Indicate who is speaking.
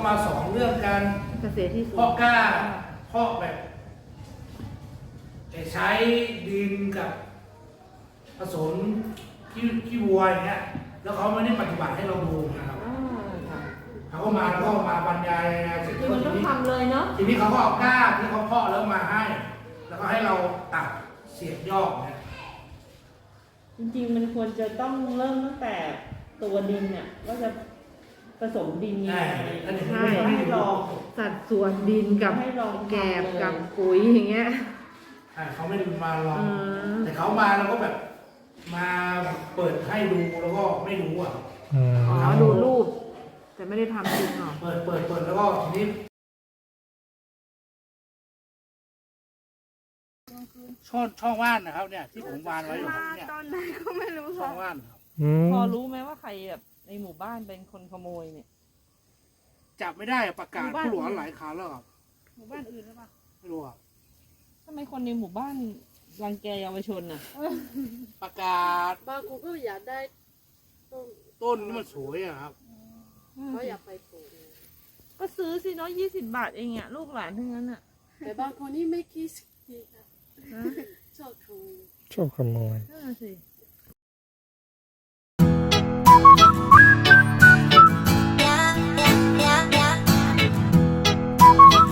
Speaker 1: มาสอนเรื่องการ
Speaker 2: เกษตรที่สวน
Speaker 1: เพาะกล้าเพาะแบบใช้ดินกับผสมขี้วัวอย่างเงี้ยแล้วเขาไม่ได้ปฏิบัติให้เราดูนะครับ
Speaker 2: อ่าค่ะ
Speaker 1: เขาก็มาแล้วก็มาบรรยายเสร็จ
Speaker 2: คือมันต้องทำเลยเนาะ
Speaker 1: ทีนี้เขาก็เอากล้าที่เขาเพาะแล้วมาให้ แล้วก็ให้เราตัดเสียบยอดเนี่ย
Speaker 3: จริงๆมันควรจะต้องเริ่มตั้งแต่ตัวดินเนี่ยว่าจะผสมดินยังไง
Speaker 2: ใช่
Speaker 3: ให้ลอง
Speaker 2: สัดส่วนดินกับ
Speaker 3: ให้ลอง
Speaker 2: แกบ
Speaker 3: ทำเลย
Speaker 2: กับปุ๋ยอย่างเงี้ย
Speaker 1: เขาไม่ได้มาลอง
Speaker 2: อืม
Speaker 1: แต่เขามาแล้วก็แบบมาเปิดให้ดูแล้วก็ไม่รู้อ่ะ
Speaker 2: อ๋อดูรูป แต่ไม่ได้ทำจริงหรอ
Speaker 1: เปิดแล้วก็ทีนี้ช่องว่านนะครับเนี่ยที่ผมวานไว้อยู่เนี่ย
Speaker 4: ตอนไหนก็ไม่รู้
Speaker 1: ช่อ
Speaker 4: ค่ะ
Speaker 1: งว่านครับ
Speaker 3: พอรู้ไหมว่าใครแบบในหมู่บ้านเป็นคนขโมยเนี่ย
Speaker 1: จับไม่ได้ประกาศผู้หลวงหลายครั้งแล้วครับ
Speaker 4: หมู่บ้านอื่นหรือเปล่า
Speaker 1: ไม่รู้ครับ
Speaker 3: ทำไมคนในหมู่บ้านรังแกเยาวชนน่ะ
Speaker 1: ประกาศ
Speaker 4: บางคนก็อยากได้ต้น
Speaker 1: ต้นนี่มันสวยอะครับ
Speaker 4: เขาอยากไปปลูก
Speaker 3: ก็ซื้อสิเนาะ20 บาทเองอ่ะลูกหลานทั้งนั้นอ่ะ
Speaker 4: แต่บางคนนี่ไม่คิดดีค่ะชอบขโมย
Speaker 5: ชอบขโมย
Speaker 3: นั่นนะสิ
Speaker 4: เ